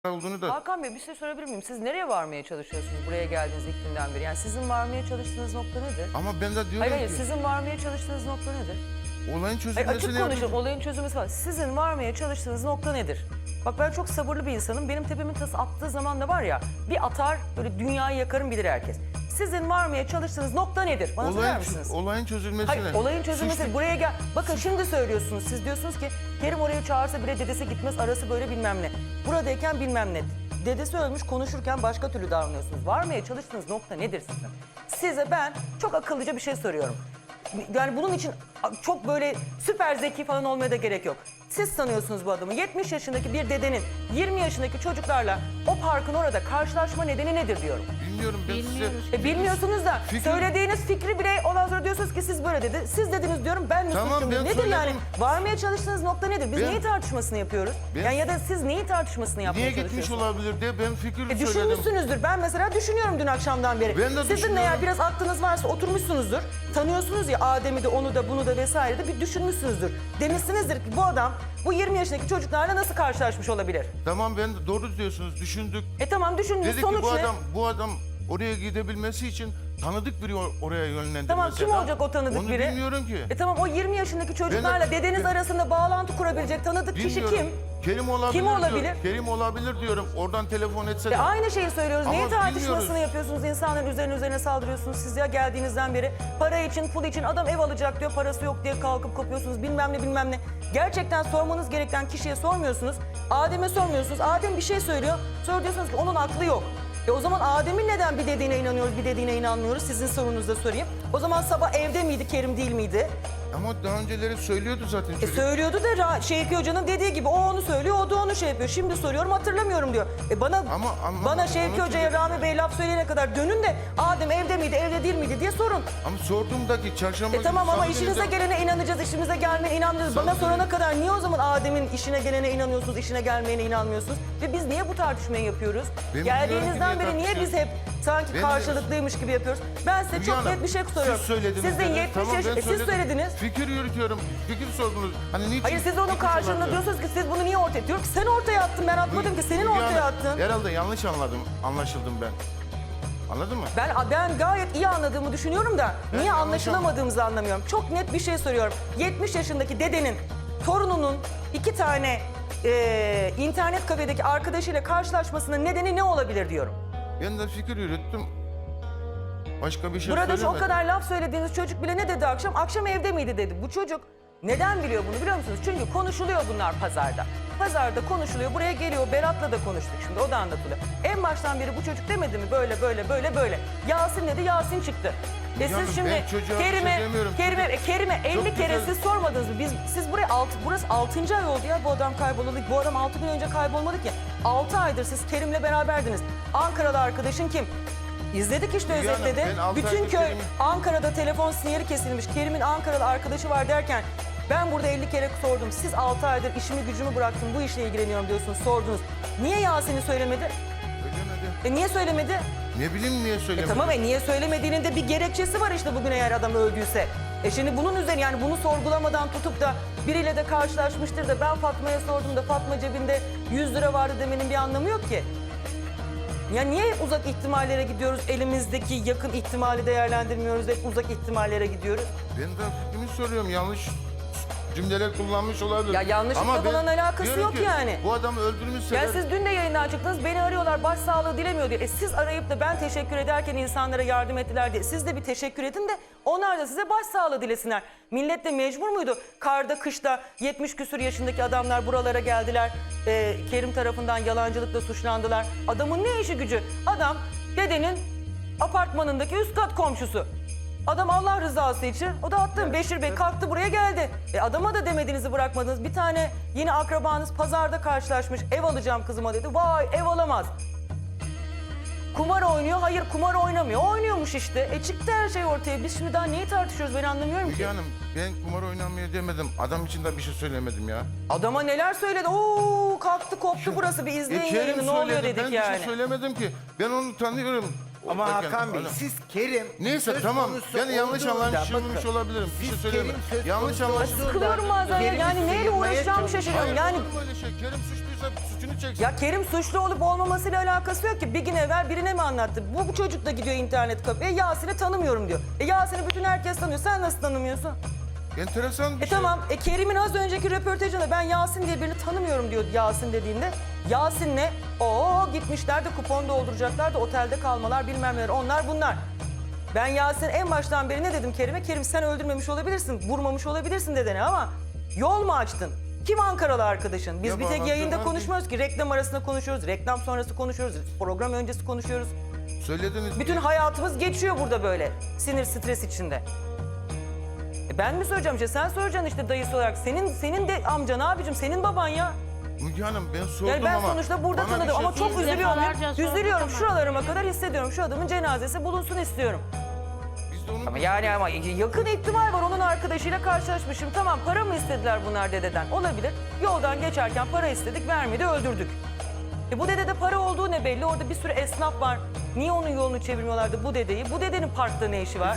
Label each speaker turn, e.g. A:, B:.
A: olduğunu da...
B: Hakan Bey bir şey sorabilir miyim? Siz nereye varmaya çalışıyorsunuz buraya geldiğiniz ilk günden beri? Yani sizin varmaya çalıştığınız nokta nedir?
A: Ama ben de diyorum
B: Hayır,
A: ki...
B: sizin varmaya çalıştığınız nokta nedir?
A: Olayın
B: Hayır,
A: çözülmesini...
B: açık konuşun, olayın çözülmesi var. Sizin varmaya çalıştığınız nokta nedir? Bak ben çok sabırlı bir insanım. Benim tepemin tası attığı zaman da var ya, bir atar böyle dünyayı yakarım bilir herkes. Sizin varmaya çalıştığınız nokta nedir? Bana söyler misiniz?
A: Olayın çözülmesine...
B: Hayır, olayın çözülmesi.
A: Suçlu...
B: Buraya gel. Bakın şimdi söylüyorsunuz. Siz diyorsunuz ki Kerim oraya çağırsa bile dedesi gitmez, arası böyle bilmem ne. Buradayken bilmem ne. Dedesi ölmüş, konuşurken başka türlü davranıyorsunuz. Varmaya çalıştığınız nokta nedir sizin? Size ben çok akıllıca bir şey soruyorum. Yani bunun için çok böyle süper zeki falan olmaya da gerek yok. Siz tanıyorsunuz bu adamı. 70 yaşındaki bir dedenin 20 yaşındaki çocuklarla o parkın orada karşılaşma nedeni nedir diyorum.
A: Bilmiyorum ben size...
B: Bilmiyorsunuz da
A: Fikir...
B: söylediğiniz fikri bile ondan sonra diyorsunuz ki siz böyle dedi. Siz dediniz diyorum, ben mi
A: Tamam,
B: suçluyum?
A: ben
B: Nedir
A: söyledim.
B: yani? Varmaya çalıştığınız nokta nedir? Biz
A: Ben-
B: neyi tartışmasını yapıyoruz?
A: Ben-
B: Yani ya da siz neyi tartışmasını yapmaya
A: Niye
B: çalışıyorsunuz?
A: gitmiş olabilir diye ben fikir söyledim.
B: Düşünmüşsünüzdür. Ben mesela düşünüyorum dün akşamdan beri.
A: Ben de
B: Sizin
A: düşünüyorum.
B: eğer biraz aklınız varsa oturmuşsunuzdur. Tanıyorsunuz ya Adem'i de onu da bunu da vesaire de bir düşünmüşsünüzdür. Demişsinizdir ki bu adam bu 20 yaşındaki çocuklarla nasıl karşılaşmış olabilir?
A: Tamam ben de doğru diyorsunuz, düşündük.
B: Tamam düşündünüz,
A: Dedik
B: sonuç
A: ki
B: ne?
A: bu adam oraya gidebilmesi için tanıdık biri oraya yönlendirmesi.
B: Tamam, kim olacak o tanıdık
A: Onu
B: biri?
A: bilmiyorum ki.
B: Tamam, o 20 yaşındaki çocuklarla dedeniz arasında bağlantı kurabilecek tanıdık kişi
A: Bilmiyorum.
B: kim?
A: Kerim olabilir.
B: Kim olabilir?
A: Diyor. Kerim olabilir diyorum. Oradan telefon etse de.
B: Aynı şeyi söylüyoruz.
A: Ama
B: Neyi tartışmasını
A: bilmiyoruz.
B: yapıyorsunuz? İnsanların üzerine saldırıyorsunuz. Siz ya geldiğinizden beri para için, pul için adam ev alacak diyor. Parası yok diye kalkıp kopuyorsunuz. Bilmem ne. Gerçekten sormanız gereken kişiye sormuyorsunuz. Adem'e sormuyorsunuz. Adem bir şey söylüyor. Sonra diyorsunuz ki onun aklı yok. O zaman Adem'in neden bir dediğine inanıyoruz, bir dediğine inanmıyoruz? Sizin sorunuzda sorayım. O zaman sabah evde miydi, Kerim değil miydi?
A: Ama daha önceleri söylüyordu zaten çocuk.
B: Söylüyordu da Şevki Hoca'nın dediği gibi o onu söylüyor, o da onu şey yapıyor. Şimdi soruyorum hatırlamıyorum diyor. Bana Şevki Hoca'ya Rami Bey laf söyleyene kadar dönün de Adem evde miydi, evde değil miydi diye sorun.
A: Ama sorduğumdaki çarşamba günü...
B: Tamam ama
A: salı
B: işinize
A: günü de-
B: gelene inanacağız, işimize gelmeyene inanmıyoruz.
A: Salı
B: Bana
A: günü-
B: sorana kadar niye o zaman Adem'in işine gelene inanıyorsunuz, işine gelmeyene inanmıyorsunuz? Ve biz niye bu tartışmayı yapıyoruz?
A: Ben
B: Geldiğinizden
A: bilmiyorum ki
B: beri
A: niye
B: niye biz hep sanki
A: Ben
B: karşılıklıymış gibi yapıyoruz? Ben size
A: Hülya
B: çok
A: Hanım,
B: net bir şey soruyorum.
A: Siz söylediniz.
B: Siz de
A: dediniz.
B: 70
A: Tamam,
B: yaş,
A: ben
B: siz
A: söyledim.
B: söylediniz.
A: Fikir yürütüyorum. Fikir sordunuz. Hani niçin?
B: Hayır, siz onun
A: gitmiş
B: karşılığında
A: olabilir?
B: diyorsunuz ki siz bunu niye ortaya... Diyorum ki sen ortaya attın, ben atmadım ki senin
A: Hülya
B: ortaya
A: Hanım,
B: attın.
A: Herhalde yanlış anlaşıldım ben. Anladın mı?
B: Ben gayet iyi anladığımı düşünüyorum da niye
A: yanlış
B: anlaşılamadığımızı anlamıyorum. Çok net bir şey soruyorum. 70 yaşındaki dedenin torununun 2 tane internet kafedeki arkadaşıyla karşılaşmasının nedeni ne olabilir diyorum.
A: Ben de fikir yürüttüm. Başka bir şey
B: Burada şu o
A: söylemedim.
B: kadar laf söylediğiniz çocuk bile ne dedi akşam? Akşam evde miydi dedi. Bu çocuk neden biliyor bunu biliyor musunuz? Çünkü konuşuluyor bunlar pazarda. Pazarda konuşuluyor. Buraya geliyor. Berat'la da konuştuk şimdi. O da anlatılıyor. En baştan beri bu çocuk demedi mi? Böyle. Yasin dedi. Yasin çıktı.
A: Canım,
B: Siz şimdi
A: ben çocuğa bir şey demiyorum.
B: Kerime 50
A: Çok
B: kere
A: güzel.
B: siz sormadınız mı? Siz buraya burası 6. ay oldu ya bu adam kaybolalı. Bu adam 6 gün önce kaybolmadı ki. 6 aydır siz Kerim'le beraberdiniz. Ankaralı arkadaşın kim? İzledik işte
A: Hülya Hanım,
B: özetledi.
A: ben 6
B: Bütün
A: aydır
B: köy
A: Kerim'i-
B: Ankara'da telefon sinyali kesilmiş. Kerim'in Ankaralı arkadaşı var derken ben burada 50 kere sordum. Siz 6 aydır işimi gücümü bıraktım bu işle ilgileniyorum diyorsunuz, sordunuz. Niye Yasin'i söylemedi?
A: Söylemedi.
B: Niye söylemedi?
A: Ne bileyim niye söylemedi?
B: Tamam niye söylemediğinin de bir gerekçesi var işte bugün eğer adam öldüyse. Şimdi bunun üzerine yani bunu sorgulamadan tutup da biriyle de karşılaşmıştır da ben Fatma'ya sordum da Fatma cebinde 100 lira vardı demenin bir anlamı yok ki. Ya niye hep uzak ihtimallere gidiyoruz? Elimizdeki yakın ihtimali değerlendirmiyoruz. Hep uzak ihtimallere gidiyoruz.
A: Ben de fikrimi soruyorum. Yanlış cümleler kullanmış olabilir.
B: Ya yanlışlıkla
A: ben
B: falan alakası
A: diyorum
B: yok
A: ki,
B: yani.
A: Bu adamı öldürmüşseler...
B: Yani siz dün de yayından çıktınız, beni arıyorlar, başsağlığı dilemiyor diye. Siz arayıp da ben teşekkür ederken insanlara yardım ettiler diye. Siz de bir teşekkür edin de onlar da size başsağlığı dilesinler. Millet de mecbur muydu? Karda, kışta 70 küsur yaşındaki adamlar buralara geldiler. Kerim tarafından yalancılıkla suçlandılar. Adamın ne işi gücü? Adam dedenin apartmanındaki üst kat komşusu. Adam Allah rızası için, o da attığım Beşir Bey kalktı buraya geldi. Adama da demediğinizi bırakmadınız. Bir tane yine akrabanız pazarda karşılaşmış, ev alacağım kızıma dedi. Vay ev alamaz. Kumar oynuyor, hayır kumar oynamıyor. Oynuyormuş işte. Çıktı her şey ortaya. Biz şimdi daha neyi tartışıyoruz ben anlamıyorum ki.
A: Müge Hanım ben kumar oynamıyor demedim. Adam için de bir şey söylemedim ya.
B: Adama neler söyledi. Oo kalktı koptu burası bir izleyin
A: Kerim
B: yayını ne oluyor
A: söyledi,
B: dedik
A: ben
B: yani.
A: bir şey söylemedim ki. Ben onu tanıyorum.
C: Ama
A: Bakın,
C: Hakan Bey
A: adam-
C: siz Kerim
A: Neyse
C: söz
A: tamam.
C: konusu
A: Yani yanlış
C: olduğunda
A: anlaşılmış
C: bakın,
A: olabilirim. Bir şey
C: siz
A: söyleyeyim.
C: Kerim söz
A: Yanlış
C: konusu
A: anlaş.
C: olduğunda
B: Sıkılıyorum bazen ya.
C: Kerim'i
B: Yani neyle
C: sıyırmaya
B: uğraşacağımı
C: çalışıyor.
B: şaşırıyorum.
A: Hayır,
B: Yani
A: olur mu öyle şey? Kerim suçluysa suçunu çeksin.
B: ya Kerim suçlu olup olmamasıyla alakası yok ki. Bir gün evvel birine mi anlattı? Bu çocuk da gidiyor internet kafeye. Yasin'i tanımıyorum diyor. Yasin'i bütün herkes tanıyor. Sen nasıl tanımıyorsun?
A: Enteresan bir şey.
B: Tamam. Kerim'in az önceki röportajında ben Yasin diye birini tanımıyorum diyor Yasin dediğinde. Yasin'le gitmişler de kupon dolduracaklar da otelde kalmalar bilmem neler onlar bunlar. Ben Yasin en baştan beri ne dedim Kerim'e? Kerim sen öldürmemiş olabilirsin, vurmamış olabilirsin dedene ama yol mu açtın? Kim Ankaralı arkadaşın? Biz
A: Ya
B: bir tek
A: bağlantı
B: yayında
A: var
B: konuşmuyoruz ki. Reklam arasında konuşuyoruz, reklam sonrası konuşuyoruz, program öncesi konuşuyoruz.
A: Söylediniz.
B: Bütün hayatımız geçiyor burada böyle sinir stres içinde. Ben mi soracağım işte sen soracaksın işte dayısı olarak. Senin de amcan abicim senin baban ya.
A: Müge Hanım ben sordum
B: Yani ben
A: ama.
B: sonuçta burada
A: bana bir
B: tanıdım
A: şey
B: ama çok
A: söyleyin.
B: üzülüyorum.
D: Defalarca sorduk
B: Üzülüyorum
D: ama.
B: şuralarıma kadar hissediyorum. Şu adamın cenazesi bulunsun istiyorum.
A: Biz de onu
B: Ama yani ama yakın ihtimal var onun arkadaşıyla karşılaşmışım. Tamam para mı istediler bunlar dededen? Olabilir. Yoldan geçerken para istedik vermedi öldürdük. Bu dedede para olduğu ne belli? Orada bir sürü esnaf var. Niye onun yolunu çevirmiyorlardı bu dedeyi? Bu dedenin parkta ne işi var?